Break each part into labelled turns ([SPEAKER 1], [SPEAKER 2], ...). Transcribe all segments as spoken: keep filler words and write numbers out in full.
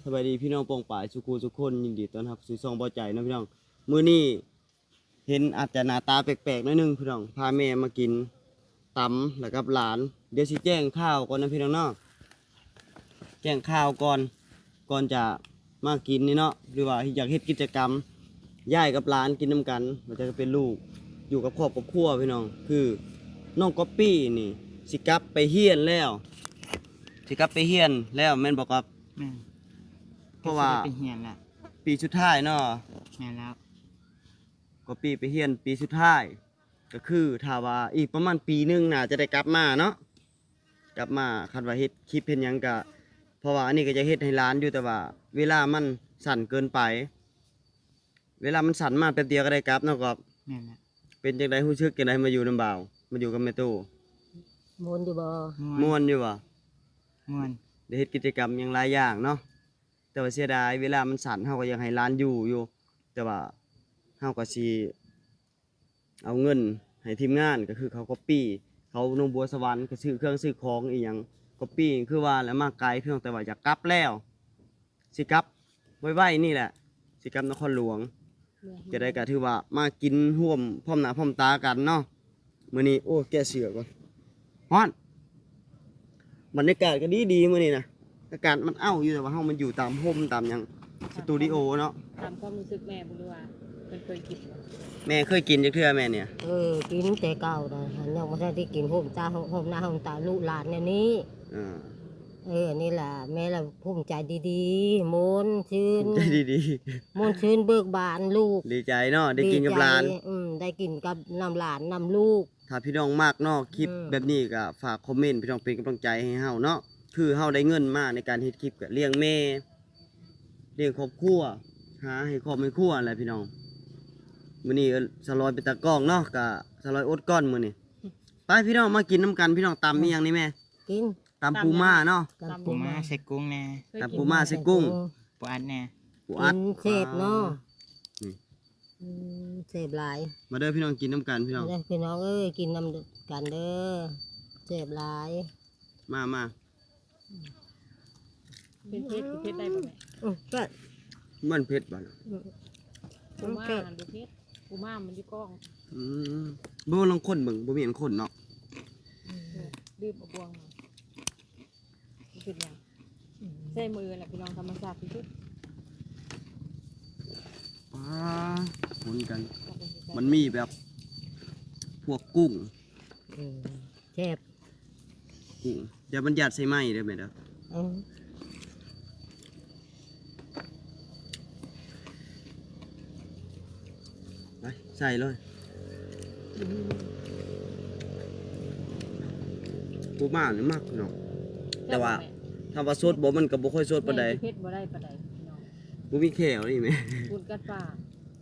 [SPEAKER 1] สบายดีพี่น้องปองป่ายสุขุสุขคนยินดีต้อนรับสู่ช่องบ่ใจนะพี่น้องมื้อนี้เห็นอาจจะหน้าตาแปลกๆหน่อยนึงพี่น้องพาแม่มากินตำแล้วกับหลานเดี๋ยวสิแจ้งข่าวก่อนนะพี่น้องเนาะแจ้งข่าวก่อนก่อนจะมากินนี่เนาะหรือว่าอยากเฮ็ดกิจกรรมย่ายกับหลานกินน้ำกันมันจะเป็นลูกอยู่กับครอบกับครัวพี่น้องคือน้องก๊อปปี้นี่สิกลับไปเฮียนแล้วสิกลับไปเฮียนแล้วแม่นบอกกับ
[SPEAKER 2] แม่น
[SPEAKER 1] เพราะว่า
[SPEAKER 2] ไปเฮียนละ
[SPEAKER 1] ปีสุดท้ายเนาะ
[SPEAKER 2] แม่นแล้ว
[SPEAKER 1] ก็ปีไปเฮียนปีสุดท้ายก็คือถ้าว่าอีกประมาณปีหนึงน่าจะได้กลับมาเนาะกลับมาคันว่าเฮ็ดคลิปเฮ็ดหยังก็เพราะว่าอันนี้ก็จะเฮ็ดให้ร้านอยู่แต่ว่า เวลามันสั้นเกินไป เวลามันสั้นมาแป๊บเดียวก็ได้กลับเนาะก็
[SPEAKER 2] แม่นแล้ว
[SPEAKER 1] เป็นจังได๋รู้สึกจังได๋มาอยู่นำบ่าวมาอยู่กับแม่ตู้
[SPEAKER 3] มวนอยู่บ่
[SPEAKER 1] ม่วนอยู่บ่
[SPEAKER 2] ม่วน
[SPEAKER 1] ได้เฮ็ดกิจกรรมหยังหลายอย่างเนาะแต่ว่าเสียดายเวลามันสั้นเฮาก็อยากให้ร้านอยู่อยู่แต่ว่าเฮาก็สิเอาเงินให้ทีมงานก็คือเขาก๊อปปี้เขาหนองบัวสวรรค์ก็ซื้อเครื่องซื้อของอีหยังก๊อปปี้คือว่าแล้วมาไกลเพียงแต่ว่าอยากกลับแล้วสิกลับไว้ๆนี่แหละสิกลับนครหลวงจะได้ก็ถือว่ามากินร่วมพร้อมหน้าพร้อมตากันเนาะมื้อนี้โอ้แก้เสือก่อนฮ้อนบรรยากาศก็ดีดีมื้อนี้นะอากาศมันเอ้าอยู่แต่ว่าเฮามันอยู่ตามร่มตามหยังสตูดิโอเนาะ
[SPEAKER 4] ตามความรู้สึกแม่บ่รู้ว่าเพิ่นเคยกินบ่
[SPEAKER 1] แม่เคยกินจักเทื่อแม่เนี่ย
[SPEAKER 3] เออกินแต่เก่านะหันยังบ่ทันได้กินโฮมตาโฮมหน้าโฮมตาลูกหลานเนี่ยนี้
[SPEAKER 1] อ่า
[SPEAKER 3] เออนี่ล่ะแม่ละภูมิใจดีๆมนต์ชื่น
[SPEAKER 1] ใจดี
[SPEAKER 3] มนต์ชื่นเบิกบานลูก
[SPEAKER 1] ๆดีใจเนาะได้กินกับหลาน
[SPEAKER 3] ดีใจอืมได้กินกับนำหลานนำลูก
[SPEAKER 1] ถ้าพี่น้องมากเนาะคลิป
[SPEAKER 3] อืม
[SPEAKER 1] แบบนี้ก็ฝากคอมเมนต์พี่น้องเป็นกำลังใจให้เฮาเนาะคือเฮาได้เงินมาในการเฮ็ดคลิปก็เลี้ยงแม่เลี้ยงครอบครัวหาให้ครอบให้ครัวแหละพี่น้องมื้อนี้ก็สลอยเป็นตากล้องเนาะก็สลอยอดก้อนมื้อนี้ไปพี่น้องมากินน้ำกันพี่น้องตำอีหยังนี่แม่
[SPEAKER 3] กิน
[SPEAKER 1] ตำปูม่าเนาะ
[SPEAKER 3] กับ
[SPEAKER 2] ปูม้าใส่กุ้งแน่
[SPEAKER 4] เคย
[SPEAKER 1] ตำ
[SPEAKER 4] กิ
[SPEAKER 1] ปู
[SPEAKER 4] น
[SPEAKER 1] ม่าใส่กุ้ง
[SPEAKER 2] ปูอัดแน่
[SPEAKER 1] ปู
[SPEAKER 3] กิ
[SPEAKER 1] อัด
[SPEAKER 3] นเสพเนาะ
[SPEAKER 1] นี่
[SPEAKER 3] อืมเสพหลาย
[SPEAKER 1] มาเด้อพี่น้องกินน้ำกันพี่น้อง
[SPEAKER 3] เด้อพี่น้องเอ้ยกินนำกันเด้อเสพหลาย
[SPEAKER 1] มามา
[SPEAKER 4] เป็นเพชรเพชรได้บ่แม่
[SPEAKER 3] อือก็
[SPEAKER 1] มันเผ็ดบ่ล่ะ
[SPEAKER 4] ปูม่าดูเพชรปูม่ามันอยู่กล้อง
[SPEAKER 1] อืมบ่ลองคนเบิ่งบ่มีอันคนเนาะ
[SPEAKER 4] ดื้อบวงมารู้สึกยังใส่มือแหละพี่น้องธรรมชาติที่สุด
[SPEAKER 1] ป้าหมุนกัน
[SPEAKER 4] ก็เป็นสิ
[SPEAKER 1] มันมีแบบ พวกกุ้ง
[SPEAKER 3] อืมเสพ
[SPEAKER 1] กุ้งเดี๋ยวมันยัดใส่ไม้ได้ไหมเด้อ
[SPEAKER 3] เออ
[SPEAKER 1] ไปใส่เลยปูม่านี่มากเนาะแต่ว่าถ้าว่าสดบ่มันก็บ่ค่อยสดปานใด
[SPEAKER 4] แม่เพชรบ่ได้ปานใดพี่น้อง
[SPEAKER 1] บ่มีแขวนี่แม่
[SPEAKER 4] พูดกัดปาก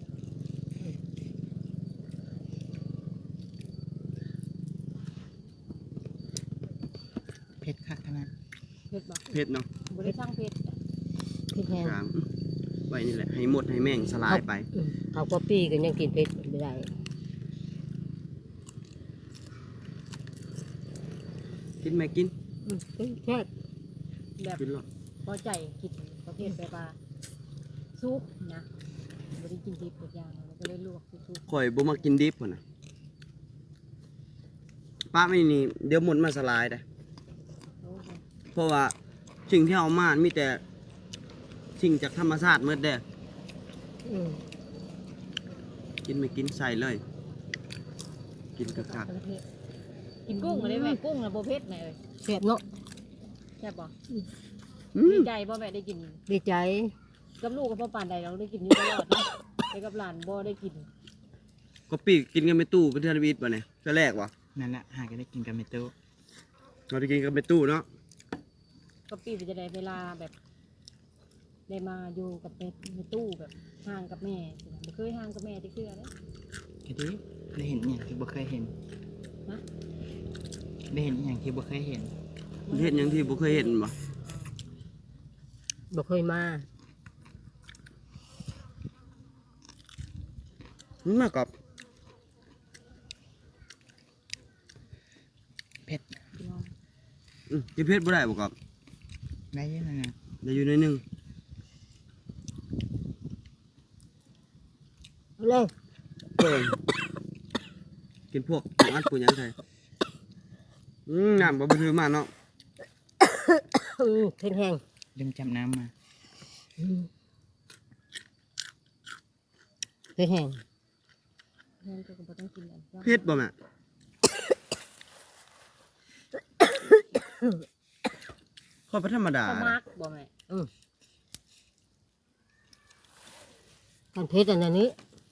[SPEAKER 2] เผ็ดคักขนาด
[SPEAKER 4] เพชรบ่
[SPEAKER 1] เผ็ดเนาะ
[SPEAKER 4] บ่ได้สร้างเพชร
[SPEAKER 3] พี่แฮง
[SPEAKER 1] กลางไว้นี่แหละให้หมดให้แม่งสลายไป
[SPEAKER 3] อืมเขาก็ปี้กันยังกินเผ็ดไม่ได้
[SPEAKER 1] กินแม่กิน
[SPEAKER 3] อืมแค่
[SPEAKER 4] แบบ
[SPEAKER 1] กินหรอ
[SPEAKER 4] พอใจกินประเภทแบบว่าซุปนะบ่ได้กินดิบทุกอย่างแล้วก็เลยลวกซุป
[SPEAKER 1] ข่อยบ่มากินดิบพุ่นน่ะป้าไม่นี่เดี๋ยวหมดมาสลายได้
[SPEAKER 4] ๆโอ้โห
[SPEAKER 1] เพราะว่าสิ่งที่เอามามีแต่สิ่งจากธรรมชาติหมดเด้อ
[SPEAKER 3] อืม
[SPEAKER 1] กินไม่กินใส่เลย กินกะกัก
[SPEAKER 4] ประเภทกินกุ้งก็ได้แม่กุ้งน่ะบ่เผ็ดแม่เอ้ย
[SPEAKER 3] เสียบเนาะ
[SPEAKER 4] แซ่บบ่
[SPEAKER 1] อื
[SPEAKER 4] ดี
[SPEAKER 1] ม
[SPEAKER 4] ใจบ่แม่ได้กิน
[SPEAKER 3] ดีใจ
[SPEAKER 4] กับลูกกับพ่อปานใดเราได้กินอยู่ตลอดนะแต่กับหลานบ่ได้กิน
[SPEAKER 1] ก็ปีกกินกันไม่ตู้เป็นเทนวิทป่ะเนี่ยก็แรกวะ
[SPEAKER 2] นั่นแหละหาก็ได้กินกับเมตู
[SPEAKER 1] เราจะกินกันไม่ตู้เนาะ
[SPEAKER 4] ก็ปีจะได้เวลาแบบ ได้มาอยู่กับแม่ในตู้แบบห่างกับแม่สินะบ่เคยห่างกับแม่ที่คืออะไร
[SPEAKER 2] ก็ดีได้เห็นอย่างที่บ่เคยเห็น
[SPEAKER 4] ฮะ
[SPEAKER 2] ได้เห็นอย่างที่บ่เคยเห็น
[SPEAKER 1] เห็นอย่างที่บ่เคยเห็นบ่
[SPEAKER 3] บ่เคยมา
[SPEAKER 1] มันมากับ
[SPEAKER 2] เผ็ด
[SPEAKER 4] พี่น้อง
[SPEAKER 1] อืมกินเพชรบ่ได้บ่กับ
[SPEAKER 2] ได้เยอะนะ
[SPEAKER 1] ได้อยู่ในอยหนึง
[SPEAKER 3] เลย
[SPEAKER 1] เพิ่นกินพวกปูอัดปูหยังไทยอืมน้ำบ่บ่ถือมาเนาะ
[SPEAKER 3] อืมเผ็ดแห้ง
[SPEAKER 2] ลืมจับน้ำมา
[SPEAKER 3] อืมเผ็ดแห้ง
[SPEAKER 4] แม่นก็บ่ต้องกินอันนั้น
[SPEAKER 1] เผ็ดบ่แม่ข้อยบ่ธรรมดา
[SPEAKER 4] ข้าวมักบ่แม่
[SPEAKER 3] กันเผ็ดอันนี้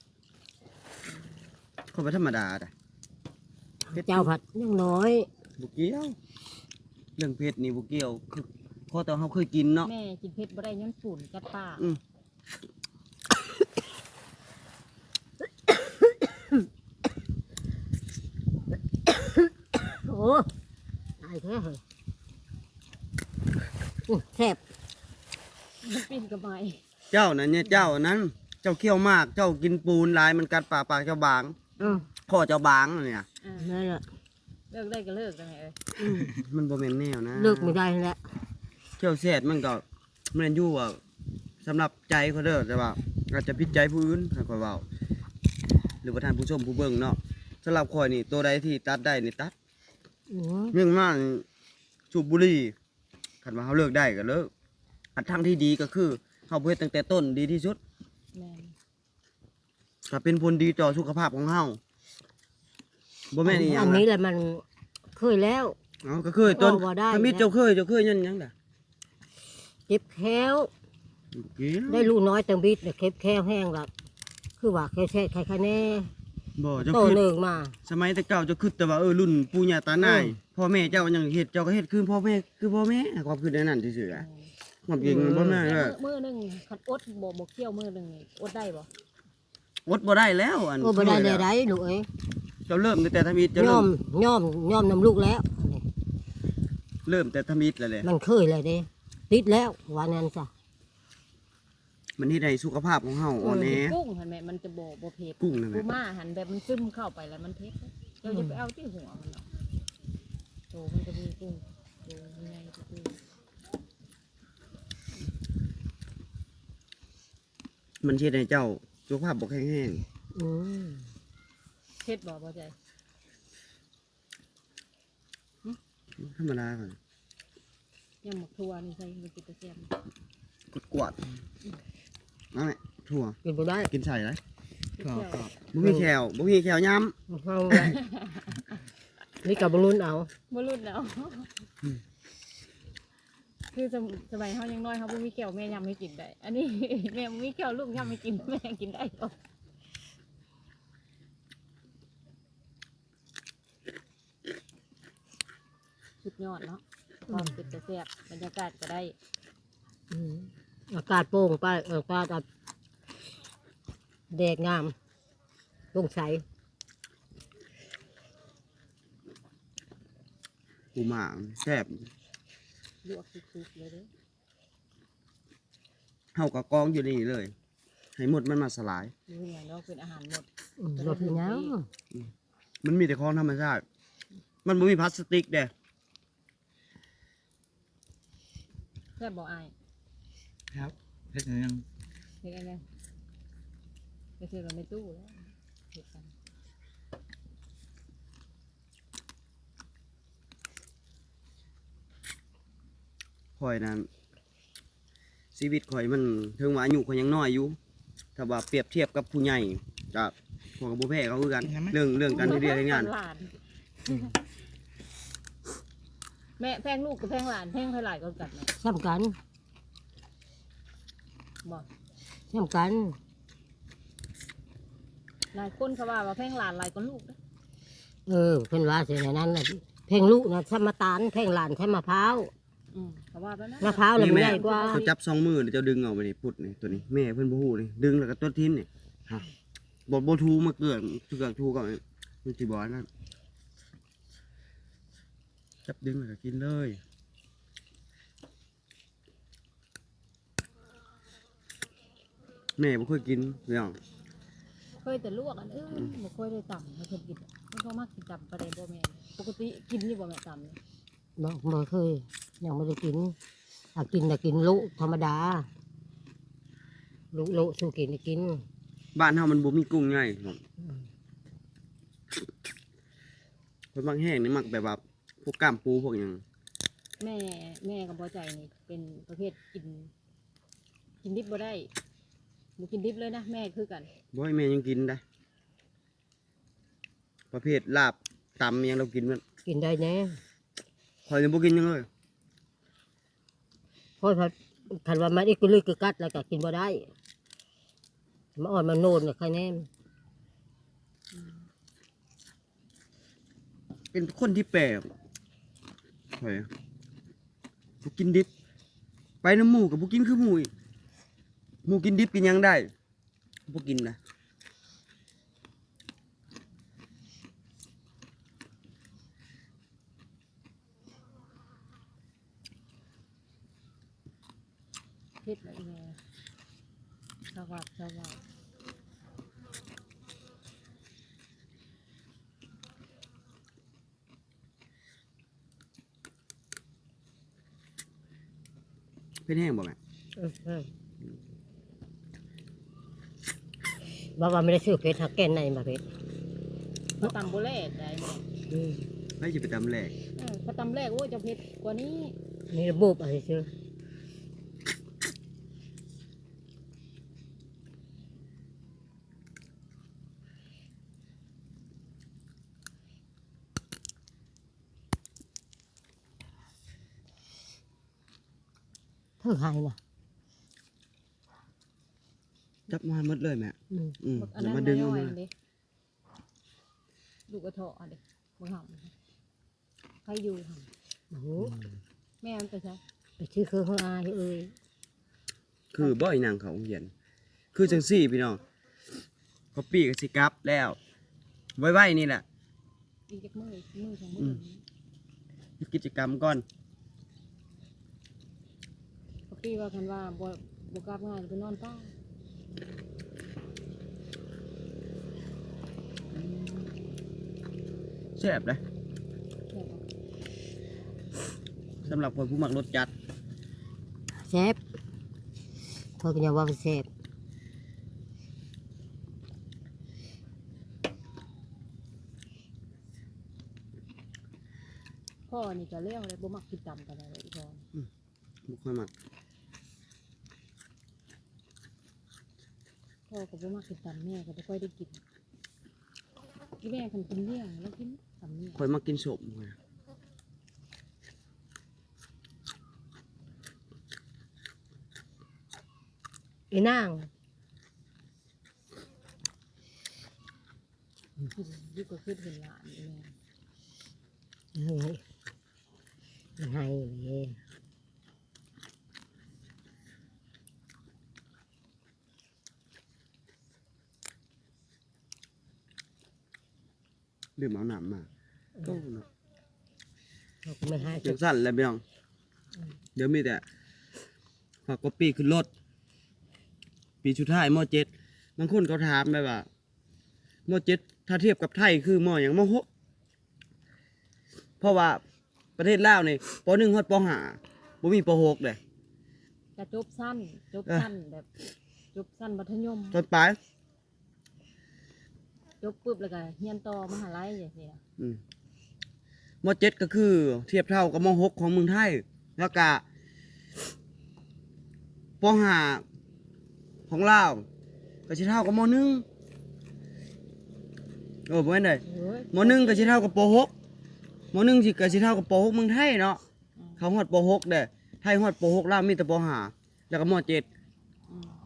[SPEAKER 1] ข้อยบ่ธรรมดาเด้อ
[SPEAKER 3] เจ้าผัดยังน้อย
[SPEAKER 1] บ่เกี่ยวเรื่องเผ็ดนี่บ่เกี่ยวคือพอแต่เฮาเคยกินเนาะ
[SPEAKER 4] แม่กินเผ็ดบ่ได้ย้อนฝุ่นกัดปาก
[SPEAKER 1] อืม
[SPEAKER 3] โอ้ตายแท้เหรออื้อแซ่บ
[SPEAKER 4] มันปิ้นกับไม้
[SPEAKER 1] เจ้านั่นเนี่ยเจ้านั้นเจ้าเคี้ยวมากเจ้ากินปูนหลายมันกัดปากปากเจ้าบาง
[SPEAKER 3] อืม
[SPEAKER 1] คอเจ้าบางเนี่ย
[SPEAKER 4] อ่า
[SPEAKER 3] นั่นแหละ
[SPEAKER 4] เลิกได้ก็เลิกได้แม่เอ้ย
[SPEAKER 3] อืม
[SPEAKER 1] มันบ่แม่นแนวนะ
[SPEAKER 3] เลิกไม่ได้แล้ว
[SPEAKER 1] เที่ยวแซ่ดมันก็แม่นอยู่ว่าสำหรับใจเขาเด้อแต่ว่าอาจจะผิดใจผู้อื่นถ้าข้อยเว้าหรือว่าท่านผู้ชมผู้เบิ่งเนาะสำหรับข้อยนี่ตัวใดที่ตัดได้นี่ตัด
[SPEAKER 3] อืม
[SPEAKER 1] เรื่องมากนี่สูบบุหรี่คันว่าเฮาเลิกได้ก็เลิกอันทางที่ดีก็คือเฮาบ่เฮ็ดตั้งแต่ต้นดีที่สุด
[SPEAKER 4] แม่น
[SPEAKER 1] ก็เป็นผลดีต่อสุขภาพของเฮาบ่แม่นอีหยั
[SPEAKER 3] อั
[SPEAKER 1] ง
[SPEAKER 3] น
[SPEAKER 1] นะ
[SPEAKER 3] นี้แหละมันเคยแล้ว
[SPEAKER 1] เอ้าก็เคยจน
[SPEAKER 3] เอาบ่ได้
[SPEAKER 1] ถ้ามีเจ้าเคยเจ้าเคยยันหยังดะ
[SPEAKER 3] เจ็บแค้ว
[SPEAKER 1] เกี่ยว
[SPEAKER 3] ได้ลูกน้อยเติมบิดเก็บแค้วแห้งละคือว่าแค่แช่ใครๆแน่
[SPEAKER 1] บ่เจ้า
[SPEAKER 3] โต
[SPEAKER 1] คือ
[SPEAKER 3] หนึ่งมา
[SPEAKER 1] สมัยแต่เก่าเจ้าคือแต่ว่าเออรุ่นปู่ย่าตานาย
[SPEAKER 3] อืม
[SPEAKER 1] พ่อแม่เจ้ายังเฮ็ดเจ้าก็เฮ็ดคือพ่อแม่คือพ่อแม่ความคิดในนั้นซื่อๆอะความจริงบ่แม่น
[SPEAKER 4] แม่
[SPEAKER 1] เด้อ
[SPEAKER 4] มื้อหนึงคันอดบ่บ่เคี่ยวมื้อหนึงนี่อดได้บ่
[SPEAKER 1] อดบ่ได้แล้วอัน
[SPEAKER 3] โอ้บ่ได้เลยได้ลูกเอ้ย
[SPEAKER 1] เจ้าเริ่มตั้งแต่ทำอิฐเจ้า
[SPEAKER 3] ย่
[SPEAKER 1] เริ่
[SPEAKER 3] อ
[SPEAKER 1] ม
[SPEAKER 3] มย่อมย่อมนำลูกแล้ว
[SPEAKER 1] เริ่มแต่ทำอิฐแล้วแหละ
[SPEAKER 3] มันเคยเลยเด้ติดแล้ววันนั้นจ้ะ
[SPEAKER 1] มันเฮ็ดให้สุขภาพของเฮาอ่อนแอ
[SPEAKER 4] กุ้งหั่นแม่มันจะบ่บ่เผ็ด
[SPEAKER 1] กุ้งนั่นแห
[SPEAKER 4] ปู
[SPEAKER 1] ละ
[SPEAKER 4] ม่าหั่นแบบมันซึมเข้าไปแล้วมันเผ็ดเจ้าอย่าไปเอาที่หัวมันเนาะโตมันจะมีกุ้งโตยังไงก็คือ
[SPEAKER 1] มันเฮ็ดให้เจ้าสุขภาพบ่แข็งแรง
[SPEAKER 3] อืม
[SPEAKER 4] เผ็ดบ่บ่ใจ
[SPEAKER 1] ธรรมดาก่อน
[SPEAKER 4] ยำหมกทั่วนี่ใส่มันกินแตะแซ่บ
[SPEAKER 1] กดกวาดนั่นแหละถั่ว
[SPEAKER 3] กินบ่ได้
[SPEAKER 1] กินใส่เลย
[SPEAKER 2] กรอบกรอบ
[SPEAKER 1] บ่มีแขวบ่มีแขวย้ำ
[SPEAKER 3] เฮาไว้นี่กับบรุนเอา
[SPEAKER 4] บ่รุ่นแล้ว คือสมสมัยเฮายังน้อยเฮาบ่มีแก้วแม่ยำให้กินได้ อันนี้ แม่บ่มีแก้วลูกยำให้กินแม่กินได้บ่สุดยอดเนาะความเป็นแต่แซ่บบรรยากาศก็ได้
[SPEAKER 3] อืมอากาศโปร่งไปเอออากาศแดดงามโปร่งใส
[SPEAKER 1] ปูหม่าแซ่บ
[SPEAKER 4] ลวกสุกๆเลยเด้อ
[SPEAKER 1] เฮาก็กองอยู่นี่เลย ให้หมดมันมาสลาย
[SPEAKER 4] ดูอย่างเนาะเป็นอาหารหมด
[SPEAKER 3] อืมรถเป็นหยัง
[SPEAKER 1] มันมีแต่ของธรรมชาติ มันบ่มีพลาสติกเด้
[SPEAKER 4] แซ่บบ่อาย
[SPEAKER 2] ครับเฮ็ดหยัง
[SPEAKER 4] เฮ็ดอะไรไปซื้อเราในตู้แล้วเฮ็ดกัน
[SPEAKER 1] ข่อยนั้นชีวิตข่อยมันถึงว่าอายุข่อยยังน้อยอยู่ถ้าว่าเปรียบเทียบกับผู้ใหญ่ก็พวกกับบ่แพ้เขาคือกัน เรื่องเรื่องการเรียนเฮ็ดงาน
[SPEAKER 4] หลานแม่แพงลูกกับแพงหลานแพงเท่าไหร่ก็กัดแม่
[SPEAKER 3] สำคัญ
[SPEAKER 4] บอก
[SPEAKER 3] สำคัญ
[SPEAKER 4] หลายคนเขาว่าว่าแพงหลานหลายก็ลูกนะ
[SPEAKER 3] เออเพิ่นว่าสิในนั้นน่ะเพลงลูกนะสมตาลเพลงหลานใช้มะพร้าว
[SPEAKER 4] อืมเขาว่าแล้วนะ
[SPEAKER 3] มะพร้าวน่ะมัน
[SPEAKER 1] แม่
[SPEAKER 3] ใหญ่กว่า
[SPEAKER 1] เขาจับสองมือเดี๋ยวเจ้าดึงเอาไปนี่พุดนี่ตัวนี้แม่เพิ่นบ่ฮู้นี่ดึงแล้วก็ตัวทิ้มนี่ฮะบ่บ่ทูมาเกิดเกือกทูก็มันสิบ่นั่นจับดึงแล้วก็กินเลยแม่บ่เคยกินเรื่อง
[SPEAKER 4] เคยแต่ลวกอันเออบ่เคยได้ต่ำไม่เคยกินไม่ชอบมากกินต่ำประเดี๋ยวบ่แม่นปกติกินนี่บ่แม่ต่ำเนี่ย
[SPEAKER 3] บ่บ่เคยยังไม่ได้กินถ้ากินแต่กินลุธรรมดาลุลุสู้กินได้กิน
[SPEAKER 1] บ้านเฮามันบ่มีกุ้งใหญ่ครับคนบางแห้งนี่มักแบบว่าพวกกล้ามปูพวกหยัง
[SPEAKER 4] แม่แม่กับพ่อใจนี่เป็นประเภทกิน กินดิบบ่ได้บ่กินดิบเลยนะแม่คือกัน
[SPEAKER 1] บ่ให้แม่ยังกินได้ ประเภทลาบตำอิหยังเรากินมัน
[SPEAKER 3] กินได้แน่
[SPEAKER 1] ข่อยยังบ่กินหยังเลย
[SPEAKER 3] เพราะถ้าคันว่ามันอีกกลึกกึกกัดแล้วก็กินบ่ได้มาอ่อนมาโนนเนี่ยใครแน่
[SPEAKER 1] เป็นคนที่แปลกข่อยบ่กินดิบ ไปน้ำหมูกับบ่กินคือหมูอีกหมูกินดิบกินหยังได้บ่กินนะ
[SPEAKER 4] เฮ็ดอะไรแม่สวัสดิ์สวัสดิ์
[SPEAKER 1] เป็นแห้งบ่แม่
[SPEAKER 3] เออเออบอกว่าไม่ได้ซื้อเพชรหักแก่นในมาเพชร
[SPEAKER 4] เขาตำโบแรกได้แม่
[SPEAKER 3] อืม
[SPEAKER 1] ไปสิไปตำแหลก
[SPEAKER 4] เออเขาตำแรกโอ้ยจะเผ็ดกว่านี้
[SPEAKER 3] นี่ระบบอะไรซื้อเท่าไหร่น่ะ
[SPEAKER 1] จับมาหมดเลยแม่
[SPEAKER 3] อืม
[SPEAKER 1] อืม
[SPEAKER 4] อัน
[SPEAKER 1] เดี๋ย
[SPEAKER 4] นั้
[SPEAKER 1] วน มาดึงออก
[SPEAKER 4] น้อย
[SPEAKER 1] มา
[SPEAKER 4] ๆเลยดูกระเทาะอันเด็กบังหับใครอยู่หั่น
[SPEAKER 3] โอ้โห
[SPEAKER 4] แม่มันไปใช่
[SPEAKER 3] ไปซื้อเครื่องข้างอายเอ้ย
[SPEAKER 1] คือบ่อยนางเขาโรงเรียน คือจังซี่พี่น้องก็ปีก็สิกลับแล้ว ไว้ๆนี่แหละ
[SPEAKER 4] อีกจักมือมือสองมื
[SPEAKER 1] อื
[SPEAKER 4] อ
[SPEAKER 1] ม เฮ็ดกิจกรรมก่อน
[SPEAKER 4] ก็ปีว่ากันว่าบ่บ่กลับง่ายไปนอนป้า
[SPEAKER 1] แซ่บเลย
[SPEAKER 4] แค่ว่า
[SPEAKER 1] สำหรับคนผู้มักรสจัด
[SPEAKER 3] แซ่บโทษกันอย่าว่าแซ่บ
[SPEAKER 4] พ่อนี่ก็เลี้ยงเลยบ่มักกินตำกันเลยอีพ่อ
[SPEAKER 1] บ่ค่อยมัก
[SPEAKER 4] พ่อก็บ่มักกินตำแม่ก็บ่ค่อยได้กินที่แม่คันกินเลี้ยงแล้วกินตำเนี่ย
[SPEAKER 1] ค่อยมักกินสมข้อย
[SPEAKER 3] อีนาง
[SPEAKER 4] กินดีกว่าคือเห็นหลานนี่แม่
[SPEAKER 3] เฮ้ยมันให้เลย
[SPEAKER 1] ดื่มเอาน้ำมาโอ้เนาะ
[SPEAKER 3] เขาก็ไม่ให้
[SPEAKER 1] จังสั่นแหล้วพี่น้อง เดี๋ยวมีแต่ฝากกปีขึ้นรถ ปีสุดท้ายมเจ็ดบางคนเขาถามไปว่ามเจ็ดถ้าเทียบกับไทยคือมอย่างมหกเพราะว่าประเทศลาวนี่ปหนึ่งฮอดปห้าบ่มีปหกเลย
[SPEAKER 4] จะจบสั้นจบ
[SPEAKER 1] เออ
[SPEAKER 4] สั้นแบบจบสั้นมัธยม
[SPEAKER 1] ตอนปลาย
[SPEAKER 4] จบปุ๊บแล้วก็เรียนต่อมหาลัยอย่างนี้นะ
[SPEAKER 1] อืมมเจ็ดก็คือ เทียบเท่ากับมหกของเมืองไทย แล้วก็ปห้าของลาวก็สิเท่ากับมหนึ่งโอ้บ่แม่นเลย
[SPEAKER 4] เฮ้ย
[SPEAKER 1] มหนึ่งก็สิเท่ากับปหกมหนึ่งสิก็สิเท่ากับปหกเมืองไทยเนาะ
[SPEAKER 4] อืม
[SPEAKER 1] เขาฮอดปหกเด้ไทยฮอดปหกลาวมีแต่ปห้าแล้วก็มเจ็ด
[SPEAKER 4] อืม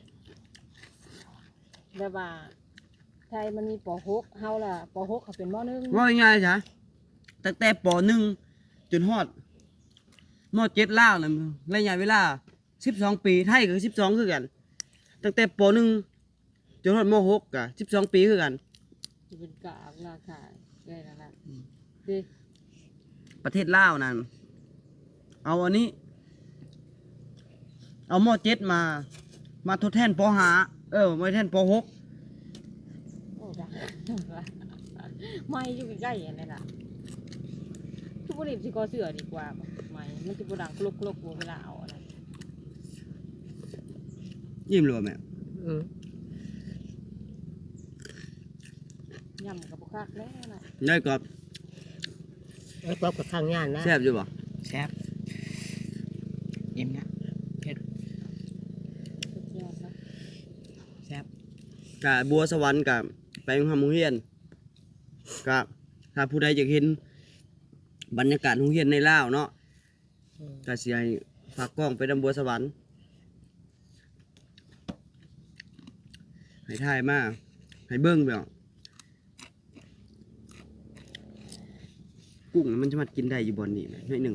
[SPEAKER 4] แบบว่าไทยมันมีป .หก เฮาล่ะป .หก เขาเป็นม .หนึ่ง
[SPEAKER 1] ว่าง่ายๆจ้ะตั้งแต่ปหนึ่งจนฮอดมเจ็ดลาวน่ะระยะเวลาสิบสองปีไทยก็สิบสองคือกัน ตั้งแต่ปหนึ่งจนฮอดมหกก็สิบสองปีคือกัน
[SPEAKER 4] ที่เป็นกากราคาได้แล้วล่ะดิ
[SPEAKER 1] ประเทศลาวนั่นเอาอันนี้ เอามเจ็ดมา มาทดแทนปห้าเออมาทดแทนปหก
[SPEAKER 4] โอ้ดังไม่อยู่ใกล้ๆอย่างนี้ล่ะทุกคนสิกอเสือดีกว่าไม่มันจะบ่ดังกลุกกลุกเวลาเอาอะไร
[SPEAKER 1] ยิ้มเลยแม่
[SPEAKER 3] อืม
[SPEAKER 4] ยำกับบุคักแล้วนะ
[SPEAKER 1] ได้กรอบ
[SPEAKER 3] ไอ้กอบกับข้างย่านนะ
[SPEAKER 1] แซ่บอยู่บ่
[SPEAKER 2] แซ่บอิ่มนะเผ็ด
[SPEAKER 4] สุดยอดนะ
[SPEAKER 2] แซ่บ
[SPEAKER 1] กะบัวสวรรค์กับไปโรงเรียนกะถ้าผู้ใดอยากเห็นบรรยากาศโรงเรียนในลาวเนาะ
[SPEAKER 3] อืม
[SPEAKER 1] ก็สิให้ฝากกล้องไปดำบัวสวรรค์ให้ถ่ายมาให้เบิ่งไปอ่ะกุ้งมันจะมากินได้อยู่บอนนี่นะน้อยหนึ่ง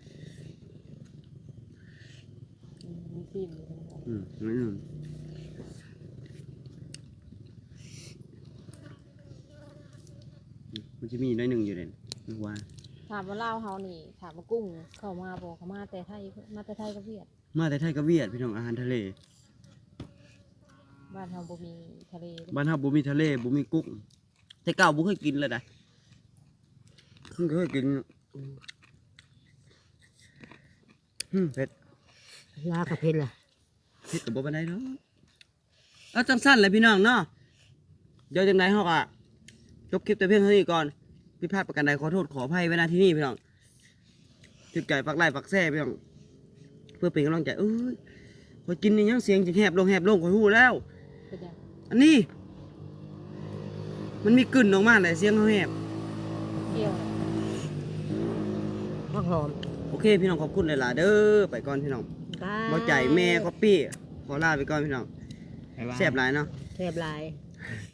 [SPEAKER 4] อืมมีซีมอยู่ทั้งหมด
[SPEAKER 1] อืมน้อยหนึ่งมันจะมีน้อยหนึ่งอยู่เลยนึกว่า
[SPEAKER 4] ถามว่าเล่าวเฮานี่ถามว่ากุ้งเข้ามาบอกเขามาแต่ไทยมาแต่ไทยกับเวียด
[SPEAKER 1] มาแต่ไทยกับเวียดพี่น้องอาหารทะเล
[SPEAKER 4] บ้านเฮาบ่มีทะเลเด้
[SPEAKER 1] บ้านเฮาบ่มีทะเลบ่มีกุ้งแต่เก่าบ่เคยกินเลยนะเพิ่งเคยกินอืมเผ็ด
[SPEAKER 3] ลากับเพชรล่ะ
[SPEAKER 1] เผ็ดกับบ่ปานใดเนาะเอาจังสั้นเลยพี่น้องเนาะเดี๋ยวจังไดเฮาก็จบคลิปแต่เพียงเท่านี้ก่อนผิดพลาดประการใดขอโทษขออภัยไว้ณที่นี่พี่น้องถึกใจปักไล่ปักแซ่พี่น้องเพื่อเป็นกำลังใจเอ้ยพอกินนี่ยังเสียงจะแหบลงแหบลงข่อยฮู้แล้ว
[SPEAKER 4] เป็นยัง
[SPEAKER 1] อันนี้ มันมีกลิ่นออกมาเลยเสียงเขาแหบ
[SPEAKER 4] เกี่ยวเลย
[SPEAKER 3] ผักหอม
[SPEAKER 1] โอเคพี่น้องขอบคุณหลายๆเด้อไปก่อนพี่น้อง
[SPEAKER 3] บาย
[SPEAKER 1] บ่ใจแม่ก็ปี้ขอลาไปก่อนพี่น้อง
[SPEAKER 2] บ๊ายบาย
[SPEAKER 1] แซ่บหลายเนาะ
[SPEAKER 3] แซ่บหลาย